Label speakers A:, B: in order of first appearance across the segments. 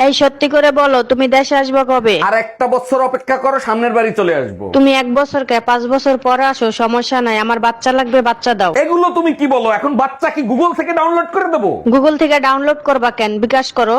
A: এই সত্যি করে বলো, তুমি দেশে আসবে কবে?
B: আর একটা বছর অপেক্ষা করো, সামনের বাড়ি চলে আসবো।
A: তুমি 1 বছর কে 5 বছর পরে আসো, সমস্যা নাই, আমার বাচ্চা লাগবে, বাচ্চা দাও।
B: এগুলো তুমি কি বলো? এখন বাচ্চা কি গুগল থেকে ডাউনলোড করে দেবো?
A: গুগল থেকে ডাউনলোড করবা কেন, বিকাশ করো।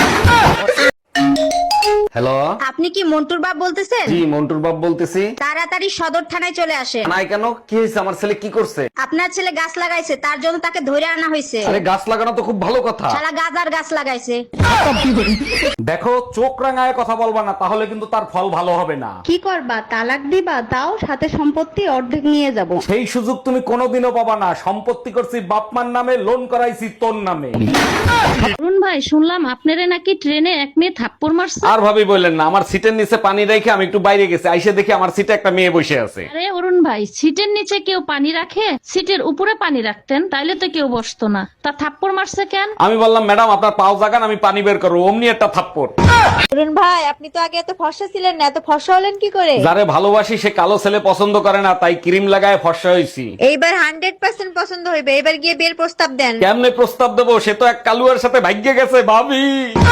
B: হ্যালো,
C: আপনি কি মন্টুর বাপ বলতেছেন?
B: জি মন্টুর বাপ বলতেছি।
C: তাড়াতাড়ি সদর থানায় চলে আসেন।
B: নাই কেন, কি হয়েছে? আমার ছেলে কি করছে?
C: আপনার ছেলে গাছ লাগাইছে, তার জন্য তাকে ধরে আনা হয়েছে।
B: আরে গাছ লাগানো তো খুব ভালো কথা।
C: শালা গাজার গাছ লাগাইছে।
B: দেখো, চোখ রাঙায় কথা বলবা না, তাহলে কিন্তু তার ফল ভালো হবে না।
D: কি করবা, তালাক দিবা? তাও সাথে সম্পত্তি অর্ধেক নিয়ে যাব।
B: সেই সুযোগ তুমি কোনোদিনও পাবা না। সম্পত্তি করছি বাপমার নামে, লোন করাইছি তোর নামে।
D: অরুণ ভাই, শুনলাম আপনারে নাকি ট্রেনে এক মেয়ে থাপ্পড় মারছে।
B: আর ভাবি বললেন না, আমার সিটের নিচে পানি রেখে আমি একটু বাইরে গেছি, আইসে দেখি আমার সিটে একটা মেয়ে বসে আছে।
D: আরে অরুণ ভাই, সিটের নিচে কেউ পানি রাখে? সিটের উপরে পানি রাখতেন, তাইলে তো কেউ বসতো না। তা থাপ্পড় মারছে কেন?
B: আমি বললাম, ম্যাডাম আপনার পাও জাগান, আমি পানি বের করবো। অমনি একটা থাপ্পড়।
C: অরুণ ভাই, আপনি তো আগে এত ফর্সা ছিলেন না, এত ফর্সা হলেন কি করে?
B: যারে ভালোবাসি সে কালো ছেলে পছন্দ করে না, তাই ক্রিম লাগায় ফর্সা হয়েছি।
C: এইবার 100% পছন্দ হইবে। এবার গিয়ে বিয়ের প্রস্তাব দেন।
B: কেমনে প্রস্তাব দেবো? সে তো এক কালুয়ার সাথে ভাগ্যে গেছে ভাবি।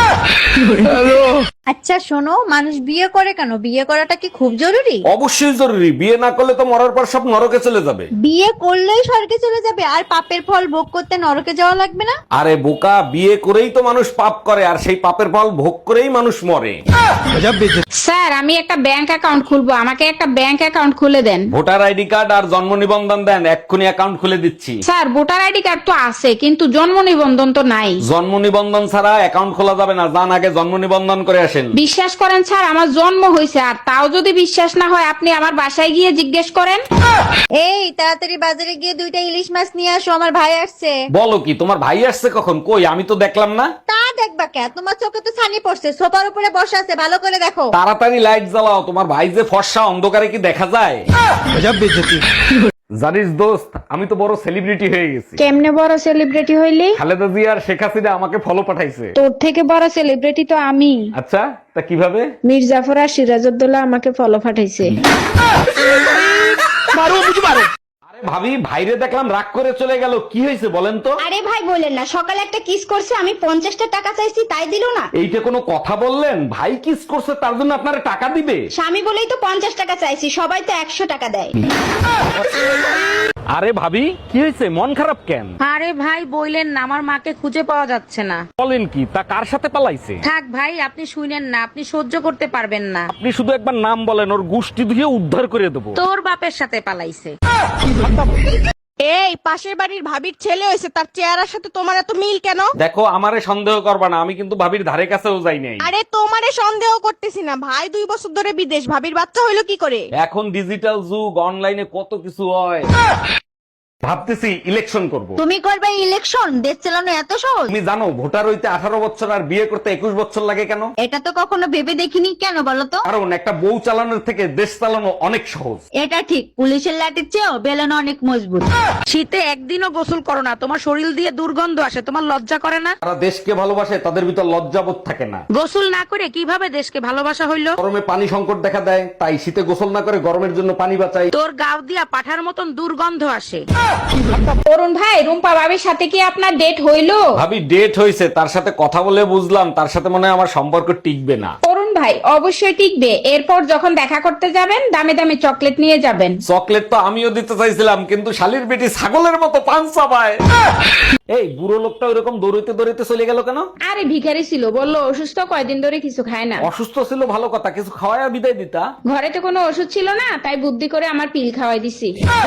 C: আচ্ছা শোনো, মানুষ বিয়ে করে কেন? বিয়ে করাটা কি খুব জরুরি?
B: অবশ্যই জরুরি। বিয়ে না করলে তো মরার পর সব নরকে চলে যাবে।
C: বিয়ে করলেই স্বর্গে চলে যাবে, আর পাপের ফল ভোগ করতে নরকে যাওয়া লাগবে না?
B: আরে বোকা, বিয়ে করেই তো মানুষ পাপ করে, আর সেই পাপের ফল ভোগ করেই মানুষ মরে।
E: স্যার, আমি একটা ব্যাংক অ্যাকাউন্ট খুলবো, আমাকে একটা ব্যাংক অ্যাকাউন্ট খুলে দেন।
B: ভোটার আইডি কার্ড আর জন্ম নিবন্ধন দেন, এক্ষুনি অ্যাকাউন্ট খুলে দিচ্ছি।
E: স্যার, ভোটার আইডি কার্ড তো আছে, কিন্তু জন্ম নিবন্ধন তো নাই।
B: জন্ম নিবন্ধন ছাড়া অ্যাকাউন্ট খোলা যাবে না, যান আগে জন্ম নিবন্ধন করে আসেন।
E: বিশ্বাস করেন স্যার, আমার জন্ম হয়েছে, আর তাও যদি বিশ্বাস না হয় আপনি আমার বাসায় গিয়ে জিজ্ঞেস করেন।
C: এই তাড়াতাড়ি বাজারে গিয়ে 2টা ইলিশ মাছ নিয়ে আসো, আমার ভাই আসছে।
B: বলো কি, তোমার ভাই আসছে কখন? কই, আমি তো দেখলাম না।
C: তা দেখবা কে? তোমার চোখে তো ছানি পড়ছে, সোফার উপরে বসে আছে, ভালো করে দেখো।
B: তাড়াতাড়ি লাইট জ্বালাও, তোমার ভাই যে ফর্সা, অন্ধকারে কি দেখা যায়? জানিস দোস্ত, আমি তো বড় সেলিব্রিটি হয়ে গেছি।
E: কেমনে বড় সেলিব্রিটি হইলি?
B: খালেদা জিয়া আর শেখ হাসিনা আমাকে ফলো পাঠাইছে।
E: তোর থেকে বড় সেলিব্রিটি তো আমি।
B: আচ্ছা, তা কিভাবে?
E: মির্জাফর আর সিরাজউদ্দৌলা আমাকে ফলো পাঠাইছে।
B: আরে ভাবি, ভাইরে দেখলাম রাগ করে চলে গেল, কি হয়েছে বলেন তো?
C: আরে ভাই বলেন না, সকালে একটা কিস করছে, আমি 50টা টাকা চাইছি, তাই দিল না।
B: এইটা কোনো কথা বললেন? ভাই কিস করছে তার জন্য আপনারা টাকা দিবে?
C: স্বামী বলেই তো 50 টাকা চাইছি, সবাই তো 100 টাকা দেয়।
B: আরে ভাবি, কি হয়েছে? মন খারাপ কেন?
E: আরে ভাই বইলেন না, আমার মাকে খুঁজে পাওয়া যাচ্ছে না।
B: বলেন কি, তা কার সাথে পালাইছে?
E: থাক ভাই, আপনি শুনেন না, আপনি সহ্য করতে পারবেন না।
B: আপনি শুধু একবার নাম বলেন, ওর গুষ্টি ধুয়ে উদ্ধার করে দেবো।
E: তোর বাপের সাথে পালাইছে।
F: এই পাশের বাড়ির ভাবির ছেলে হয়েছে, তার চেহারার সাথে তোমার এত মিল কেন?
B: দেখো, আমারে সন্দেহ করবা না, আমি কিন্তু ভাবির ধারে কাছেও যাই নাই।
F: আরে তোমারে সন্দেহ করতেছি না, ভাই 2 বছর ধরে বিদেশ, ভাবির বাচ্চা হইলো কি করে?
B: এখন ডিজিটাল যুগ, অনলাইনে কত কিছু হয়। ভাবতেছি ইলেকশন করব।
C: তুমি করবে ইলেকশন? দেশ চালানো এত সহজ?
B: তুমি জানো ভোটার হইতে 18 বছর আর বিয়ে করতে 21 বছর লাগে কেন?
C: এটা তো কখনো ভেবে দেখিনি, কেন বলো তো?
B: কারণ একটা বউ চালানোর থেকে দেশ চালানো অনেক সহজ।
C: এটা ঠিক, পুলিশের লাঠির চেয়েও বেলন অনেক মজবুত।
E: শীতে একদিনও গোসল করো না, তোমার শরীর দিয়ে দুর্গন্ধ আসে, তোমার লজ্জা করে না?
B: যারা দেশকে ভালোবাসে তাদের ভিতর লজ্জাবোধ থাকে না।
E: গোসল না করে কিভাবে দেশকে ভালোবাসা হইলো?
B: গরমে পানি সংকট দেখা দেয়, তাই শীতে গোসল না করে গরমের জন্য পানি বাঁচাই।
E: তোর গাও দিয়া পাঠার মতন দুর্গন্ধ আসে। অরুণ ভাই, রুম্পা ভাবির সাথে কি আপনার ডেট হইলো?
B: ভাবি ডেট হয়েছে, তার সাথে কথা বলে বুঝলাম তার সাথে মনে হয় আমার সম্পর্ক টিকবে না।
E: অরুণ ভাই, অবশ্যই টিকবে। এরপর যখন দেখা করতে যাবেন, দামে দামে চকলেট নিয়ে যাবেন।
B: চকলেট তো আমিও দিতে চাইছিলাম, কিন্তু শালির বেটি ছাগলের মতো পান চাবায়। এই বুড়ো লোকটা ওইরকম দৌড়িতে দৌড়িতে চলে গেল কেন?
E: আরে ভিখারি ছিল, বললো অসুস্থ, কয়দিন ধরে কিছু খায় না।
B: অসুস্থ ছিল ভালো কথা, কিছু খাওয়ায় বিদায় দিতা।
E: ঘরে তো কোনো ওষুধ ছিল না, তাই বুদ্ধি করে আমার পিল খাওয়াই দিছি।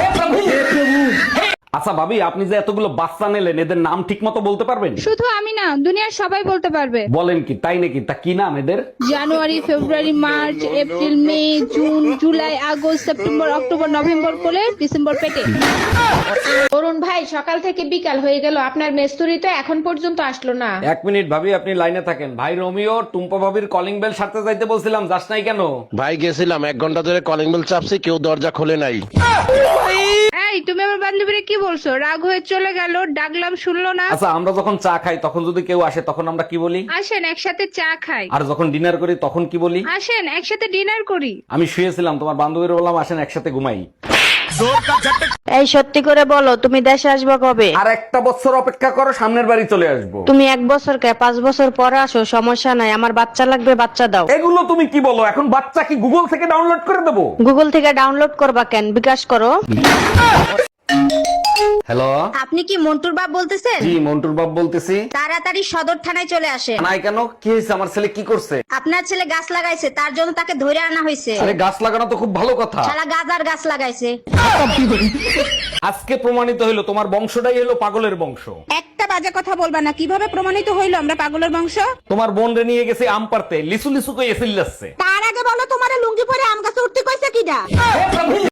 B: আচ্ছা ভাবি, আপনি যে এতগুলো বাচ্চা নিলেন, এদের নাম ঠিক মতো বলতে পারবেন?
G: শুধু আমি না, দুনিয়ার সবাই বলতে পারবে।
B: বলেন কি, তাই নাকি? তা কি নাম এদের?
G: January, February, March, April, May, June, July, August, September, October, November কোলে, ডিসেম্বর পেটে।
E: অরুণ ভাই, সকাল থেকে বিকাল হয়ে গেল, আপনার মেস্তুরি তো এখন পর্যন্ত আসলো না।
B: 1 মিনিট ভাবি, আপনি লাইনে থাকেন। ভাই রোমিও, টুম্পা ভাবির কলিং বেল সারতে যাইতে বলছিলাম, যাস নাই কেন?
H: ভাই গেছিলাম, 1 ঘন্টা ধরে কলিং বেল চাপছি, কেউ দরজা খোলে নাই।
G: এই তুমি আমার বান্ধবীরে কি বলছো? রাগ হয়ে চলে গেল, ডাকলাম শুনলো না।
B: আচ্ছা, আমরা যখন চা খাই তখন যদি কেউ আসে তখন আমরা কি বলি?
G: আসেন একসাথে চা খাই।
B: আর যখন ডিনার করি তখন কি বলি?
G: আসেন একসাথে ডিনার করি।
B: আমি শুয়েছিলাম, তোমার বান্ধবীর বললাম আসেন একসাথে ঘুমাই।
A: এই সত্যি করে বলো তুমি দেশে আসবে কবে?
B: আর একটা বছর অপেক্ষা করো, সামনের বাড়ি চলে আসবো।
A: তুমি 1 বছর কে 5 বছর পরে আসো, সমস্যা নাই, আমার বাচ্চা লাগবে, বাচ্চা দাও।
B: এগুলো তুমি কি বলো? এখন বাচ্চা কি গুগল থেকে ডাউনলোড করে দেবো?
A: গুগল থেকে ডাউনলোড করবা কেন, বিকাশ করো।
B: হ্যালো,
C: আপনি কি মন্টুর বাপ বলতেছেন?
B: জি মন্টুর বাপ বলতেছি।
C: তাড়াতাড়ি সদর থানায় চলে আসেন।
B: নাই কেন, কি হয়েছে? আমার ছেলে কি করছে?
C: আপনার ছেলে গাছ লাগাইছে, তার জন্য তাকে ধরে আনা হয়েছে।
B: আরে গাছ লাগানো তো খুব ভালো কথা।
C: শালা গাজার গাছ লাগাইছে।
B: আজকে প্রমাণিত হইলো তোমার বংশটাই হলো পাগলের বংশ।
E: একটা বাজে কথা বলবা না, কিভাবে প্রমাণিত হইলো আমরা পাগলের বংশ?
B: তোমার বোন রে নিয়ে গেছে আম পারতে, লিসু লিসু কই এসিল যাচ্ছে।
E: তার আগে বলো তোমার লুঙ্গি পরে আম গাছে উঠতে কইছে কিডা?